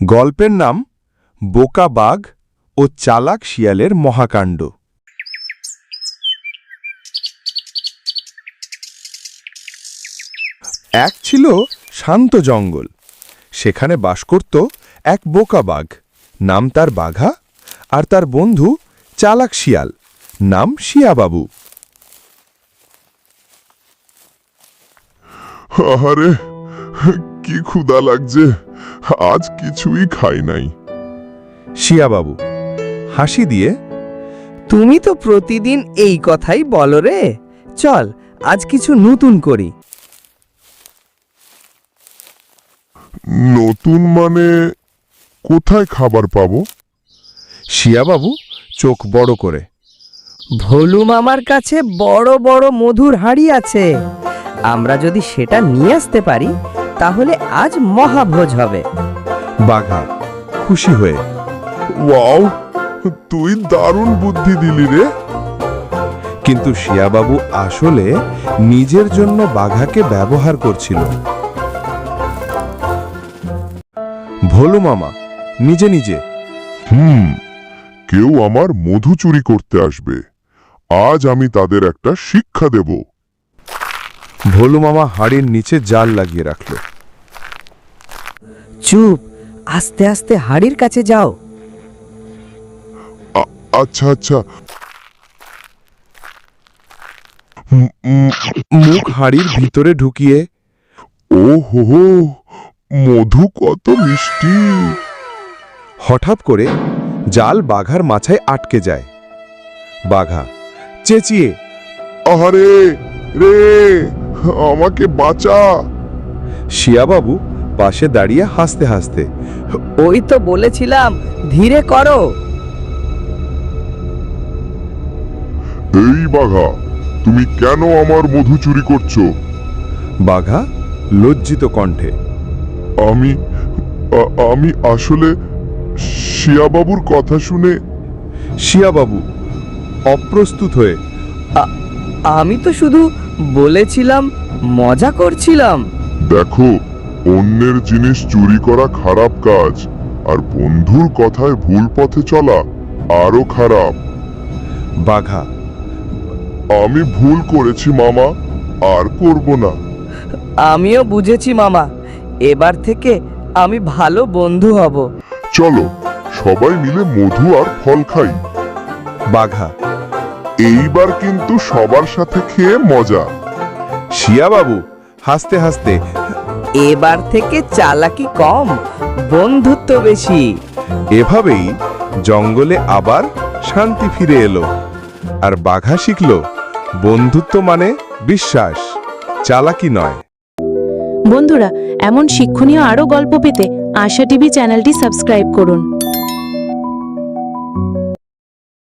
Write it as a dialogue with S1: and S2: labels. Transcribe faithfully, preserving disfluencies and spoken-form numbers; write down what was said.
S1: গল্পের নাম বোকা বাঘ ও চালাক শিয়ালের মহাকাণ্ড। এক ছিল শান্ত জঙ্গল। সেখানে বাস করত এক বোকা বাঘ, নাম তার বাঘা, আর তার বন্ধু চালাক শিয়াল, নাম শিয়াবাবু।
S2: আরে কি ক্ষুধা লাগছে, আজ কিছুই খাই নাই।
S1: শিয়াবাবু হাসি দিয়ে,
S3: তুমি তো প্রতিদিন এই কথাই বলো রে, চল আজ কিছু নতুন করি।
S2: নতুন মানে কোথায় খাবার পাবো?
S1: শিয়াবাবু চোখ বড় করে,
S3: ভোলু মামার কাছে বড় বড় মধুর হাঁড়ি আছে, আমরা যদি সেটা নিয়ে আসতে পারি তাহলে আজ মহাভোজ হবে।
S1: বাঘা খুশি হয়ে,
S2: ওয়াও, তুই দারুণ বুদ্ধি দিলি রে।
S1: কিন্তু শিয়াবাবু আসলে নিজের জন্য বাঘাকে ব্যবহার করছিল। ভোলু মামা নিজে নিজে,
S2: হুম কেউ আমার মধু চুরি করতে আসবে, আজ আমি তাদের একটা শিক্ষা দেব।
S1: ভোলু মামা হাড়ির নিচে জাল লাগিয়ে রাখল।
S3: চুপ, আস্তে আস্তে হাঁড়ির কাছে যাও।
S2: আচ্ছা আচ্ছা।
S1: মুখ হাড়ির ভিতরে ঢুকিয়ে,
S2: ও হো হো, মধু কত মিষ্টি।
S1: হঠাৎ করে জাল বাঘার মাথায় আটকে যায়। বাঘা চেঁচিয়ে,
S2: আহারে রে, আমাকে বাঁচা।
S1: শিয়াবাবু পাশে দাঁড়িয়ে হাসতে হাসতে,
S3: ওই তো বলেছিলাম ধীরে করো।
S2: এই বাঘা, তুমি কেন আমার মধু চুরি করছো?
S1: বাঘা লজ্জিত কণ্ঠে,
S2: আমি আ- আমি আসলে শিয়াবাবুর কথা শুনে।
S1: শিয়াবাবু অপ্রস্তুত হয়ে,
S3: আমি তো শুধু বলেছিলাম, মজা করছিলাম।
S2: দেখো, অন্যের জিনিস চুরি করা খারাপ কাজ, আর বন্ধুর কথায় ভুল পথে চলা আরো খারাপ।
S1: বাঘা
S2: আমি ভুল করেছি মামা, আর করব না।
S3: আমিও বুঝেছি মামা, এবার থেকে আমি ভালো বন্ধু হব।
S2: চলো সবাই মিলে মধু আর ফল খাই।
S1: বাঘা
S2: এইবার কিন্তু সবার সাথে খেয়ে মজা।
S1: শিয়াবাবু হাসতে হাসতে,
S3: এবার থেকে চালাকি কম, বন্ধুত্ব বেশি।
S1: এভাবেই জঙ্গলে আবার শান্তি ফিরে এলো, আর বাঘা শিখল বন্ধুত্ব মানে বিশ্বাস, চালাকি নয়।
S4: বন্ধুরা, এমন শিক্ষণীয় আরও গল্প পেতে আশা টিভি চ্যানেলটি সাবস্ক্রাইব করুন।